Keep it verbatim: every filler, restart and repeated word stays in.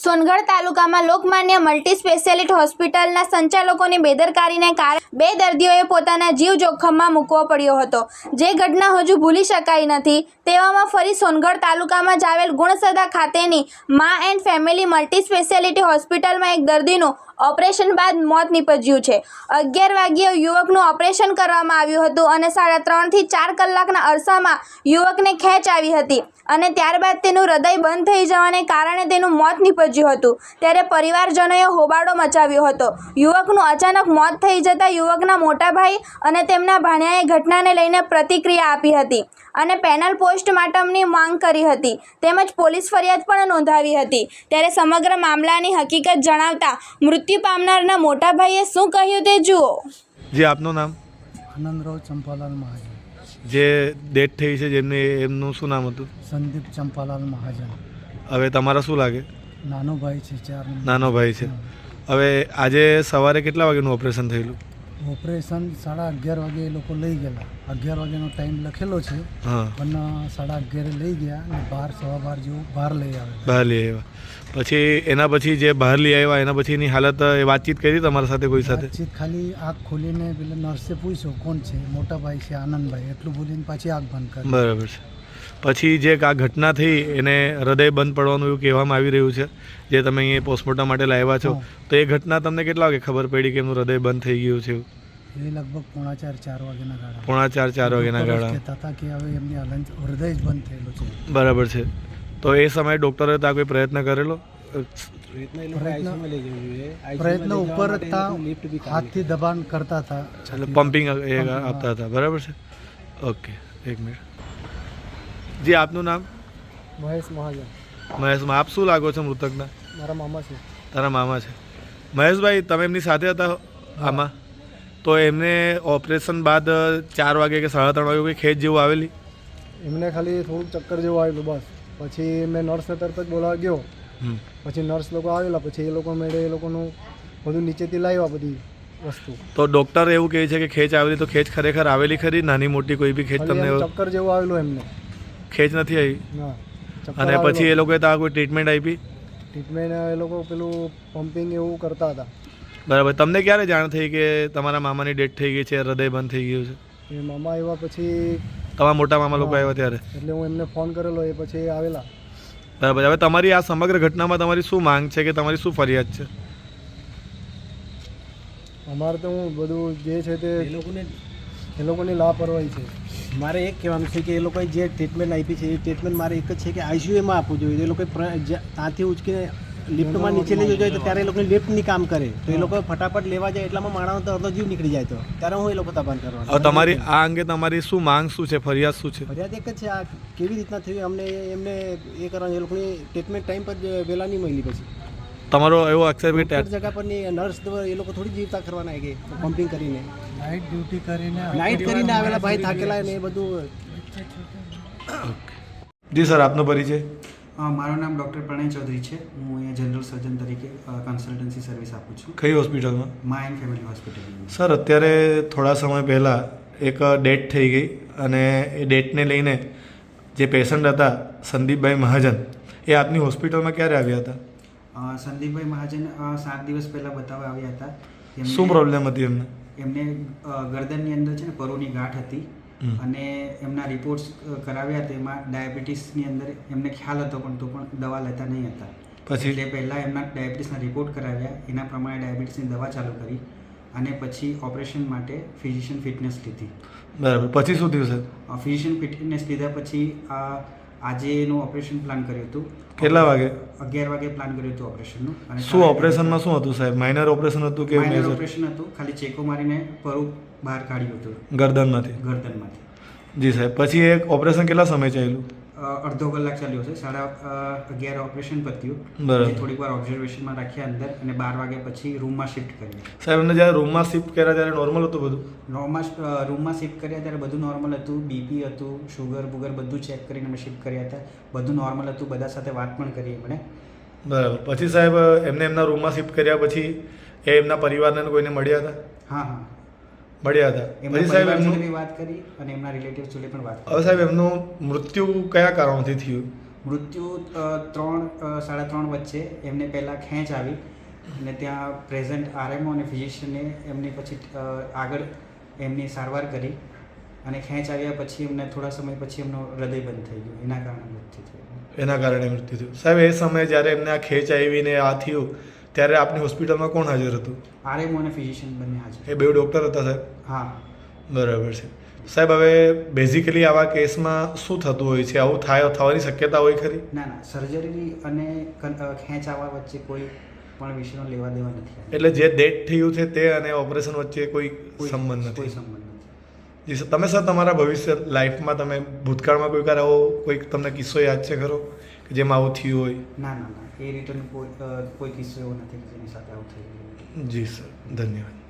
સોનગઢ તાલુકામાં Lokmanya multi speciality હોસ્પિટલના સંચાલકોની બેદરકારીને કારણે બે દર્દીઓએ પોતાના જીવ જોખમમાં મૂકવો પડ્યો હતો, જે ઘટના હજુ ભૂલી શકાય નથી। તેવામાં ફરી સોનગઢ તાલુકામાં જ આવેલ ગુણસદા ખાતેની મા એન્ડ ફેમિલી મલ્ટી સ્પેશિયાલિટી હોસ્પિટલમાં એક દર્દીનું ઓપરેશન બાદ મોત નીપજ્યું છે। અગિયાર વાગ્યે યુવકનું ઓપરેશન કરવામાં આવ્યું હતું અને સાડા ત્રણથી ચાર કલાકના અરસામાં યુવકને ખેંચ આવી હતી અને ત્યારબાદ તેનું હૃદય બંધ થઈ જવાને કારણે તેનું મોત નીપજ્યું હતું। ત્યારે પરિવારજનોએ હોબાળો મચાવ્યો હતો। યુવકનું અચાનક મોત થઈ જતાં યુવકના મોટા ભાઈ અને તેમના ભાણિયાએ ઘટનાને લઈને પ્રતિક્રિયા આપી હતી અને પેનલ પોસ્ટમોર્ટમની માંગ કરી હતી તેમજ પોલીસ ફરિયાદ પણ નોંધાવી હતી। ત્યારે સમગ્ર મામલાની હકીકત જણાવતા મૃત્યુ પામનારના મોટા ભાઈએ શું કહ્યું તે જુઓ। જી, આપનું નામ? આનંદરાવ ચંપાલાલ મહાજન। જે ડેથ થઈ છે જેમને એમનું શું નામ હતું? સંદીપ ચંપાલાલ મહાજન। હવે તમારા શું લાગે? નાનો ભાઈ છે, ચાર નાનો ભાઈ છે। હવે આજે સવારે કેટલા વાગ્યાનું ઓપરેશન થયેલું? ઓપરેશન સાડા અગિયાર વાગે એ લોકો લઈ ગયેલા। અગિયાર વાગ્યાનો ટાઈમ લખેલો છે, હા, પણ સાડા અગિયારે લઈ ગયા અને બાર સવા બાર જેવું બહાર લઈ આવે બહાર લઈ આવ્યા। પછી એના પછી જે બહાર લઈ આવ્યા એના પછીની હાલત એ વાતચીત કરી તમારા સાથે કોઈ સાથે? વાતચીત ખાલી આંખ ખોલીને પેલા નર્સે પૂછ્યો કોણ છે, મોટા ભાઈ છે આનંદભાઈ, એટલું બોલીને પાછી આંખ બંધ કરી। બરાબર છે। પછી જે આ ઘટના થઈ એને હૃદય બંધ પડવાનું એવું કહેવામાં આવી રહ્યું છે, જે તમે અહીંયા પોસ્ટમોર્ટમ માટે લાવ્યા છો, તો એ ઘટના તમને કેટલા વાગે ખબર પડી કે એમનું હૃદય બંધ થઈ ગયું છે? એ લગભગ પોણા ચાર ચાર વાગ્યાના ગાળા પોણા ચાર ચાર વાગ્યાના ગાળા કહેતા હતા કે હવે એમની હલન હૃદય જ બંધ થયેલું છે। બરાબર છે। તો એ સમયે ડૉક્ટરે ત્યાં કોઈ પ્રયત્ન કરેલો? પ્રયત્ન ઉપર હતા, હાથથી દબાણ કરતા હતા, એટલે પમ્પિંગ એ આપતા હતા। બરાબર છે, ઓકે, એક મિનિટ। જી, આપનું નામ? મહેશ મહાજન। મહેશમાં આપ શું લાગો છો મૃતકના? મારા મામા છે। તારા મામા છે? મહેશભાઈ, તમે એમની સાથે હતા આમાં? તો એમને ઓપરેશન બાદ ચાર વાગે કે સાડા ત્રણ વાગે કોઈ ખેંચ જેવું આવેલી? એમને ખાલી થોડુંક ચક્કર જેવું આવેલું બસ। પછી મેં નર્સને તરત જ બોલાવા ગયો, પછી નર્સ લોકો આવેલા, પછી એ લોકો મેળે એ લોકોનું બધું નીચેથી લાવ્યા બધી વસ્તુ। તો ડૉક્ટર એવું કહે છે કે ખેંચ આવેલી, તો ખેંચ ખરેખર આવેલી ખરી? નાની મોટી કોઈ બી ખેંચ તમને? ચક્કર જેવું આવેલું એમને, ખેંચ નથી આવી? ના। અને પછી એ લોકોએ ત્યાં કોઈ ટ્રીટમેન્ટ આપી? ટ્રીટમેન્ટ એ લોકો પેલું પમ્પિંગ એવું કરતા હતા। બરાબર। તમને ક્યારે જાણ થઈ કે તમારા મામાની ડેથ થઈ ગઈ છે, હૃદય બંધ થઈ ગયું છે? એ મામા આવ્યા પછી, તમારા મોટા મામા લોકો આવ્યા ત્યારે? એટલે હું એમને ફોન કરેલો, એ પછી આવેલા। બરાબર। હવે તમારી આ સમગ્ર ઘટનામાં તમારી શું માંગ છે કે તમારી શું ફરિયાદ છે? અમારે તો હું બધું જે છે તે એ લોકોને એ લોકોની લાપરવાહી છે। મારે એક કહેવાનું છે કે એ લોકોએ જે ટ્રીટમેન્ટ આપી છે એ ટ્રીટમેન્ટ મારે એક જ છે કે આઈસીયુમાં આપવું જોઈએ। એ લોકોએ ત્યાંથી ઉચકીને લિફ્ટમાં નીચે લઈ જવું જોઈએ, તો ત્યારે એ લોકોને લિફ્ટની કામ કરે, તો એ લોકો ફટાફટ લેવા જાય એટલામાં માણસનો તો અડધો જીવ નીકળી જાય, તો ત્યારે હું એ લોકો તપાસ કરવાનો। હવે તમારી આ અંગે તમારી શું માંગ શું છે, ફરિયાદ શું છે? ફરિયાદ એક જ છે, આ કેવી રીતના થયું અમને એમને એ કરવાનું, એ લોકોની ટ્રીટમેન્ટ ટાઈમ પર વહેલા નહીં મળી। પછી તમારો એવો અક્ષર કે જગ્યા પરની નર્સ એ લોકો થોડી જીવતા કરવાના કે પમ્પિંગ કરીને નાઇટ ડ્યુટી કરીને નાઇટ કરીને આવેલા ભાઈ થાકેલા ને એ બધું। જી સર, આપનો પરિચય? મારું નામ ડૉક્ટર પ્રણય ચૌધરી છે। હું અહીંયા જનરલ સર્જન તરીકે કન્સલ્ટન્સી સર્વિસ આપું છું। કઈ હોસ્પિટલમાં? મા એન્ડ ફેમિલી હોસ્પિટલ। સર, અત્યારે થોડા સમય પહેલાં એક ડેથ થઈ ગઈ અને એ ડેથને લઈને જે પેશન્ટ હતા સંદીપભાઈ મહાજન, એ આપની હોસ્પિટલમાં ક્યારે આવ્યા હતા? સંદીપભાઈ મહાજન સાત દિવસ પહેલાં બતાવવા આવ્યા હતા। શું પ્રોબ્લેમ હતી એમને? એમને ગરદનની અંદર છે ને પરોની ગાંઠ હતી અને એમના રિપોર્ટ્સ કરાવ્યા તેમાં ડાયાબિટીસની અંદર એમને ખ્યાલ હતો, પણ તો પણ દવા લેતા નહીં હતા। પછી એટલે પહેલાં એમના ડાયાબિટીસના રિપોર્ટ કરાવ્યા, એના પ્રમાણે ડાયાબિટીસની દવા ચાલુ કરી અને પછી ઓપરેશન માટે ફિઝિશિયન ફિટનેસ લીધી। બરાબર। પછી શું થયું સર? ફિઝિશિયન ફિટનેસ લીધા પછી આજે એનું ઓપરેશન પ્લાન કર્યું હતું। કેટલા વાગે? અગિયાર વાગે પ્લાન કર્યું હતું ઓપરેશનનું। અને શું ઓપરેશનમાં શું હતું સાહેબ? માઇનર ઓપરેશન હતું કે માઇનર ઓપરેશન હતું? ખાલી ચેકો મારીને પરું બહાર કાઢ્યું હતું ગરદનમાંથી? ગરદનમાંથી। જી સાહેબ। પછી એક ઓપરેશન કેટલા સમય ચાલ્યું? અડધો કલાક ચાલ્યો છે। સાડા અગિયાર ઓપરેશન પત્યું, બરાબર। થોડીક વાર ઓબ્ઝર્વેશનમાં રાખ્યા અંદર અને બાર વાગ્યા પછી રૂમમાં શિફ્ટ કર્યા। સાહેબ, એમને જ્યારે રૂમમાં શિફ્ટ કર્યા ત્યારે નોર્મલ હતું બધું? નોર્મલ રૂમમાં શિફ્ટ કર્યા ત્યારે બધું નોર્મલ હતું। બીપી હતું, શુગર બુગર બધું ચેક કરીને અમે શિફ્ટ કર્યા હતા, બધું નોર્મલ હતું। બધા સાથે વાત પણ કરી એમણે। બરાબર। પછી સાહેબ એમને એમના રૂમમાં શિફ્ટ કર્યા પછી એ એમના પરિવારને કોઈને મળ્યા હતા? હા હા મળ્યા હતા। એમના પરિવાર જોડે બી વાત કરી અને એમના રિલેટિવ્સ જોડે પણ વાત કરી। હવે સાહેબ, એમનું મૃત્યુ કયા કારણોથી થયું? મૃત્યુ અ, ત્રણ અ, સાડા ત્રણ વચ્ચે એમને પહેલાં ખેંચ આવી અને ત્યાં પ્રેઝન્ટ આરએમઓ અને ફિઝિશિયને એમની પછી અ, આગળ એમની સારવાર કરી અને ખેંચ આવ્યા પછી એમને થોડા સમય પછી એમનું હૃદય બંધ થઈ ગયું, એના કારણે મૃત્યુ થયું. એના કારણે મૃત્યુ થયું. સાહેબ એ સમયે જ્યારે એમને આ ખેંચ આવીને આ થયું ત્યારે આપની હોસ્પિટલમાં કોણ હાજર હતું? આરએમઓ અને ફિઝિશિયન બંને હાજર. એ બે ડૉક્ટર હતા સાહેબ? હા. બરાબર છે સાહેબ. હવે બેઝિકલી આવા કેસમાં શું થતું હોય છે? આવું થાય થવાની શક્યતા હોય ખરી? ના ના સર્જરી અને કન- અ, ખેંચ આવવા વચ્ચે કોઈ પણ વિષયનો લેવા દેવા નથી. એટલે જે ડેથ થયું છે તે અને ઓપરેશન વચ્ચે કોઈ કોઈ- સંબંધ કોઈ નથી? સંબંધ નથી. જી સર. તમે સર તમારા ભવિષ્ય લાઈફમાં તમે ભૂતકાળમાં કોઈ વાર આવો કોઈ તમને કિસ્સો યાદ છે ખરો કે જેમાં આવું થયું હોય? ના ના ના એ રિટર્ન કોઈ અ, કોઈ કિસ્સો એવો નથી કે જેની સાથે આવું થઈ ગયું. જી સર, ધન્યવાદ.